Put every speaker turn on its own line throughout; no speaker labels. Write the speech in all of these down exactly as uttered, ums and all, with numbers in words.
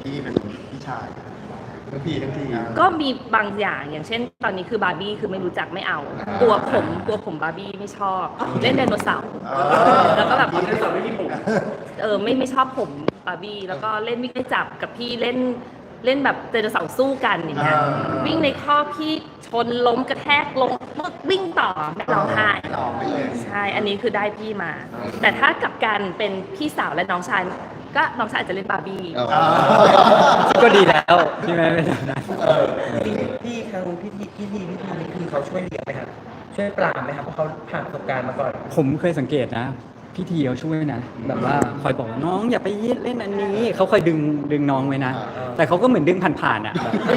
พี่เป็นพี่ชายทั้งพี่ทั้งที
ก็มีบางอย่างอย่างเช่นตอนนี้คือบาร์บี้คือไม่รู้จักไม่เอากลัวผมกลัวผมบาร์บี้ไม่ชอบเล่นไดโนเสาร์แล้วก็แบบไดโนเสาร์ไม่มีผมเออไม่ไม่ชอบผมบาร์บี้แล้วก็เล่นวิ่งไล่จับกับพี่เล่นเล่นแบบไดโนเสาร์สู้กันอย่างเงี้ยวิ่งในข้อพี่ชนล้มกระแทกลงวิ่งต่อไม่ร้องไห้ใช่อันนี้คือได้พี่มาแต่ถ้ากลับกันเป็นพี่สาวและน้องชายก็น้องชายอาจจะเล่นบาร์บี้
ก็ดีแล้วใช่ไหมไม่ได้นะ
พี่ทางพี่ทีพี่ทีพี่ทีนี่คือเขาช่วยเลี้ยงไหมครับช่วยปรามไหมครับเพราะเขาผ่านประสบการณ์มาก่อน
ผมเคยสังเกตนะพี่ทีเขาช่วยนะแบบว่าคอยบอกน้องอย่าไปเล่นอันนี้เขาคอยดึงดึงน้องไว้นะแต่เขาก็เหมือนดึงผ่านๆอ่ะ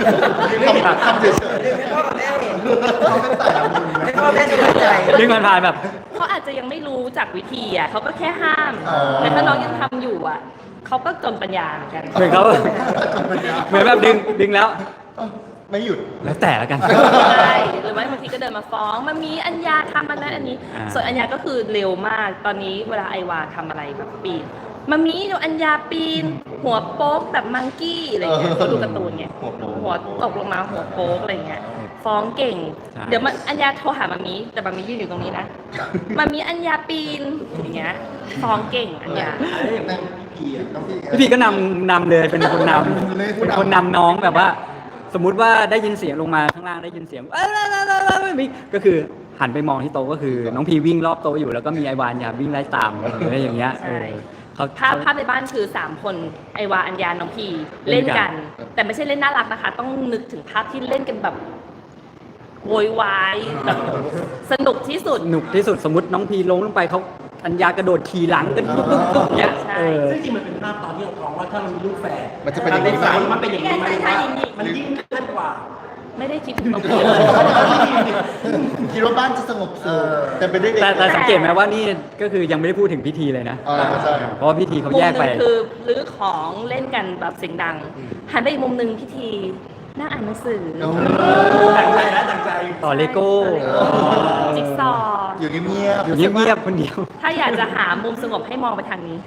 ให้พ่อกับแม่เห็นให้พ่อแม่สบายใจ
ดึงผ่านๆแบบ
เขาอาจจะยังไม่รู้จากวิธีอ่ะเขาก็แค่ห้ามแต่ถ้าน้องยังทำอยู่อ่ะเขาก็จนปัญญาเหมือนกัน
เหมือนเขาเหมือนแบบดึงดึงแล้ว
ไม่หยุด
แล้วแต่ละกัน
ใช่หรือว่าบางทีก็เดินมาฟ้องมันมีอัญญาทำอันนั้นอันนี้ส่วนอัญญาก็คือเร็วมากตอนนี้เวลาไอวาทำอะไรแบบปีนมันมีดูอัญญาปีนหัวโป๊กแบบมังกี้อะไรเงี้ยเขาดูการ์ตูนเงี้ยหัวตกลงมาหัวโป๊กอะไรเงี้ยฟ้องเก่งเดี๋ยวมันอัญญาโทรหามามีแต่มามียืนอยู่ตรงนี้นะมามีอัญญาปีนอย่างเงี้ยฟ้องเก่งอัญญา
พี่พีก็นำนำเลยเป็นคนนำเป็นคนนำน้องแบบว่าสมมุติว่าได้ยินเสียงลงมาข้างล่างได้ยินเสียงไม่มีก็คือหันไปมองที่โต๊ะก็คือน้องพีวิ่งรอบโต๊ะอยู่แล้วก็มีไอวานยาวิ่งไล่ตามอะไรอย่างเงี้ย
ภาพภาพในบ้านคือสามคนไอวาอัญญาน้องพีเล่นกันแต่ไม่ใช่เล่นน่ารักนะคะต้องนึกถึงภาพที่เล่นกันแบบโวยวายแบบสนุกที่สุด
สนุกที่สุดสมมติน้องพีลงลงไปเขาอัญญากระโดดขี่หลังกันปุ๊บปุ๊บปุ๊บเนี้ย
ซึ่งจริงมันเป็นภาพตอนที่เราท้องว่าถ้าเรามีลูกแฝด
มันจะเป็นอย่างนี้ไหม
มันเป็นอย่างนี้ไหมมันยิ่งขั้นกว่า
ไม่ได้คิดถึงน้องพีเลย
คิดว่าบ้านจะสงบสุขแต่เป็นได้
แต่สังเกตไหมว่านี่ก็คือยังไม่ได้พูดถึงพิธีเลยนะเพราะพิธีเขาแยกไป
คือรื้อของเล่นกันแบบเสียงดังหันไปอีกมุมนึงพิธีนั่งอ่านหนังสือ
ตั้งใจแล้วตั้งใจ
ต่อเลโก้
จิ๊กซอ
อยู่เงียบ
อยู่เงียบคนเดียว
ถ้าอยากจะหามุมสงบให้มองไปทางนี้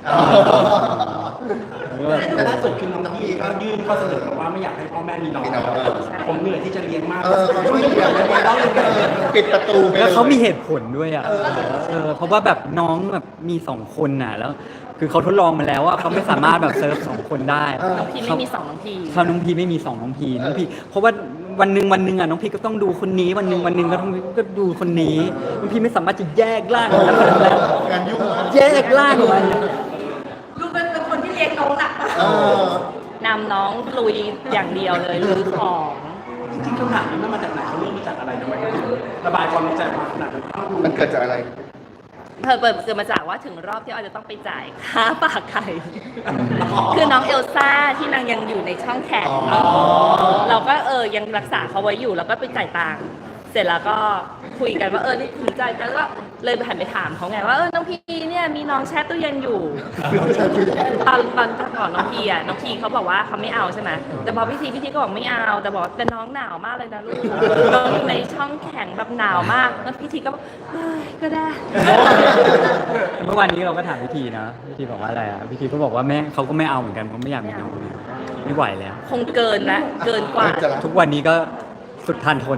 แต่ล่าสุดคือน้องพี่ก็ยื่นข้อเสนอว่าไม่อยากให้พ่อแม่มีน้องผมเหนื่อยที่จะเลี้ยงมาก
ช่วยเลี้ยงปิดประตู
แล้วเขามีเหตุผลด้วยอ่ะเพราะว่าแบบน้องแบบมีสองคนน่ะแล้วคือเขาทดลองมาแล้วว่าเขาไม่สามารถแบบเซิร์ฟสองคนได้
น้องพีไม่มีสองน้องพี
เขาน้องพีไม่มีสองน้องพีน้องพีเพราะว่าวันหนึ่งวันหนึ่งอ่ะน้องพีก็ต้องดูคนนี้วันหนึ่งวันหนึ่งก็ต้องก็ดูคนนี้น้องพีไม่สามารถจะแยกร่างแล้ว
งานยุ่ง
แยกร่างมัน
ลูกเป็นคนที่เลี้ยงน้องหนักนำน้องลุยอย่างเดียวเลยรื้อของ
จริงๆคำถามนี้มันมาจากไหนเขาเริ่มมาจากอะไรทำไมระบายความในใจมาขนาดนั้น
มันเกิดจากอะไร
เปิดเกิดมาจากว่าถึงรอบที่เราจะต้องไปจ่ายค่าฝากไข่คือน้องเอลซ่าที่นางยังอยู่ในช่องแขนเราก็เออยังรักษาเขาไว้อยู่แล้วก็ไปจ่ายตังค์เสร็จแล้วก็คุยกันว่าเออนี่ถึงจ่ายกันก็เลยไปหันไปถามเขาไงว่าเออน้องพีเนี่ยมีน้องแช่ตู้เย็นอยู่ตอนตอนก่อนน้องพีอ่ะน้องพีเขาบอกว่าเขาไม่เอาใช่ไหมแต่พอพี่ทีพี่ทีก็บอกไม่เอาแต่บอกแต่น้องหนาวมากเลยนะลูกน้องในช่องแข็งแบบหนาวมากแล้วพี่ทีก็บอกเฮ้ยก็ได้
เมื่อวานนี้เราก็ถามพี่ทีนะพี่ทีบอกว่าอะไรอ่ะพี่ทีก็บอกว่าแม่เขาก็ไม่เอาเหมือนกันเขาไม่อยากมีน้องไม่ไหวแล้ว
คงเกินนะเกินกว่า
ทุกวันนี้ก็สุดทานทน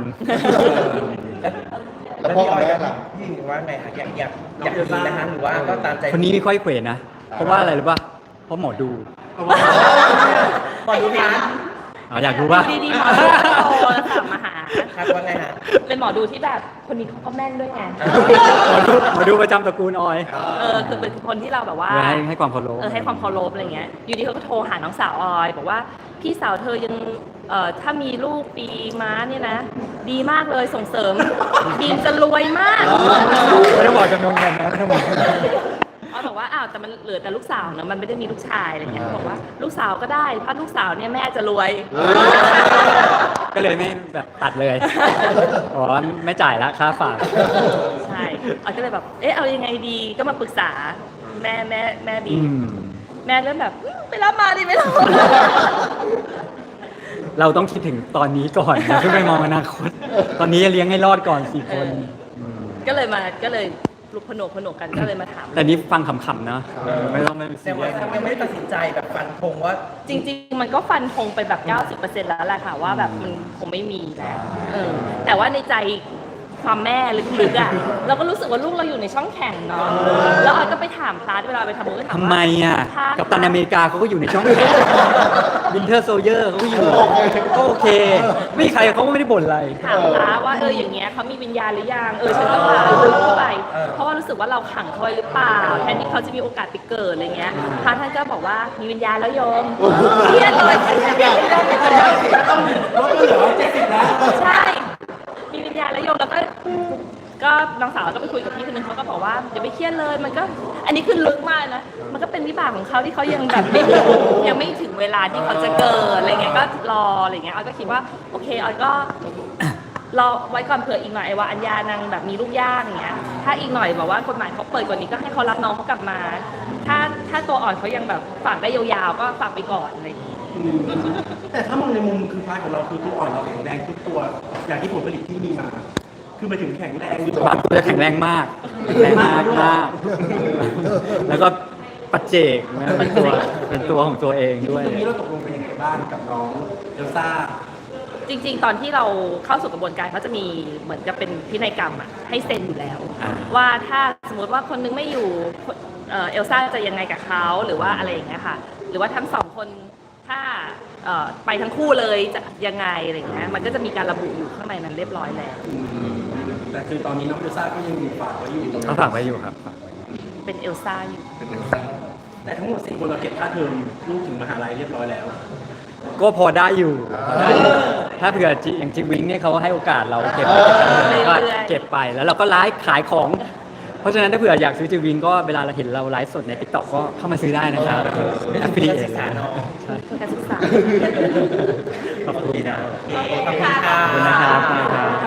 แล้วพ่อแม่ล่ะ
พี่ว่าไงคะอยากอยากอยากมีนะคะหรือว่าก็ตามใจ
คนนี้ไม่ค่อยเขวนะเพราะว่าอะไรหรือป่ะเพราะหมอดู
หมอดูนะ
อ๋ออยากรู้ป่ะ
ดีๆหมอดูโทรศัพท์มาหา
ครับว่าไงฮะ
เป็นหมอดูที่แบบคนนี้เขาก็แม่นด้วยไง
หมอดูหมอดูประจำตระกูลออย
เออคือเป็นคนที่เราแบบว่า
ให้ให้ความเคารพ
เออให้ความเคารพอะไรเงี้ยอยู่ดีเขาก็โทรหาน้องสาวออยบอกว่าพี่สาวเธอยังเอ่อถ้ามีลูกปีม้าเนี่ยนะดีมากเลยส่งเสริมบีมจะรวยมาก
ไม่ต้องบอกจำนวนเงินนะไม่ต้องบอก
เขาบอกว่าอ้าวแต่มันเหลือแต่ลูกสาวเนอะมันไม่ได้มีลูกชายอะไรเงี้ยบอกว่าลูกสาวก็ได้ถ้าลูกสาวเนี่ยแม่จะรวย
ก็เลยไม่แบบตัดเลยอ๋อไม่จ่ายละค่าฝาก
ใช่ออยก็เลยแบบเอ๊ะเอายังไงดีก็มาปรึกษาแม่แม่แม่บีมแม่เริ่มแบบไปรับมาดิไม่รับ
เราต้องคิดถึงตอนนี้ก่อนอย่าเพิ่งไปมองอนาคตตอนนี้จะเลี้ยงให้รอดก่อนสี่คน
ก็เลยมาก็เลยลุกผนวกผนวกกันก็เลยมาถาม
แต่นี้ฟังขำๆนะไม่ต้องไม่
แต่ว่ายังไม่ได้ตัดสินใจแบบฟันธงว่า
จริงๆ มันก็ฟันธงไปแบบ เก้าสิบเปอร์เซ็นต์ แล้วแหละค่ะว่าแบบมันคงไม่มีแล้วเออแต่ว่าในใจความแม่ลึกๆอ่ะเราก็รู้สึกว่าลูกเราอยู่ในช่องแข่งเนาะแล้วออยก็ไปถามพาร์ทเวลาไปทำบุญก็ถาม
ทำ
ว่า
ไมอ่ะ
พาร์ท
กับตันอเมริกาเขาก็อยู่ในช่องวินเทอร์โซเยอร์เขาก็อยู่ก็โอเค ไม่มีใครเขาก็ไม่ได้บ่นอะไร
ถามพาร์ทว่าเอออย่างเงี้ยเขามีวิญญาณหรือยังเออฉันก็พาลูกเข้าไป เพราะว่ารู้สึกว่าเราขังเขาไว้หรือเปล่าแทนที่เขาจะมีโอกาสไปเกิดอะไรเงี้ยพาร์ทท่านก็บอกว่ามีวิญญาณแล้วโยมเครียดเลย
ต้องลดเหลือเจ็ดสิบแล้ว
ใช่ มีวิญญาณแล้วโยมแล้วก็ก็น้องสาวก็ไปคุยกับพี่คนนึงเขาก็บอกว่าอย่าไปเครียดเลยมันก็อันนี้คือลึกมากนะมันก็เป็นวิบากของเขาที่เขายังแบบไม่ถึงยังไม่ถึงเวลาที่เขาจะเกิดอะไรเงี้ยก็รออะไรเงี้ยออยก็คิดว่าโอเคออยก็รอไว้ก่อนเผื่ออีกหน่อยไอ้ว่าอัญญานางแบบมีลูกย่างอย่างเงี้ยถ้าอีกหน่อยบอกว่ากฎหมายเขาเปิดกว่านี้ก็ให้เขารับน้องเขากลับมา ถ้าถ้าตัวอ่อนเขายังแบบฝากได้ยาวๆก็ฝากไปก่อนอะไรอย่างเงี้ย
อืมแต่ถ้ามองในมุมคือพาร์ทของเราคือตัวอ่อนเราแข็งแรงทุกตัวอย่างที่ผลผลิตที่มีมา คือมาถึงแข็งแรงหรือเป
บา
ล่าง
ตัวจะแข็งแรงมากแข็งแรงมากมากแล้วก็ปัจเจกนะเป็นตัวเป็นตัวของตัวเองด้วย
ตรงนี้เราตกลงเป็นยังไงบ้างกับน้องเอลซ่า
จริงๆ ตอนที่เราเข้าสู่กระบวนการเขาจะมีเหมือนกับเป็นพินัยกรรมอะให้เซ็นอยู่แล้ว
อ่า
ว่าถ้าสมมติว่าคนนึงไม่อยู่เอ่อเอลซ่าจะยังไงกับเขาหรือว่าอะไรอย่างเงี้ยค่ะหรือว่าทั้งสองคนถ้าเอ่อไปทั้งคู่เลยจะยังไงอะไรอย่างเงี้ยมันก็จะมีการระบุอยู่ข้างในนั้นเรียบร้อยแล้ว
แต่คือตอนนี้น้องเอลซ่าก็ยังอยู่ฝากไว้อยู่ตรงนั้
เขา
น
ฝากไว้อยู่ครับ
เป็นเอลซ่าอยู่
แต่ทั้งหมดสี่คนเราเก็บค่าเทอมลูกถึงมหาลัยเรียบร้อยแล้ว
ก็พอได้อยู่ ถ้าเผื่อจิอย่างจิวิงเนี่ยเขาให้โอกาสเราเก็บก็เก็บไปแล้วเราก็ไลฟ์ขายของ เพราะฉะนั้นถ้าเผื่ออยากซื้อจิวิงก็เวลาเราเห็นเราไลฟ์สดในติ๊กต็อกก็เข้ามาซื้อได้นะครับเป็นอัพพลิเคชันใช่
เพื่อการศึกษา
ขอบคุณนะ
ขอบคุณค่ะ
ขอบคุณนะครับขอบคุณนะครับ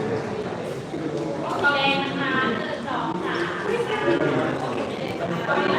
ค่ะ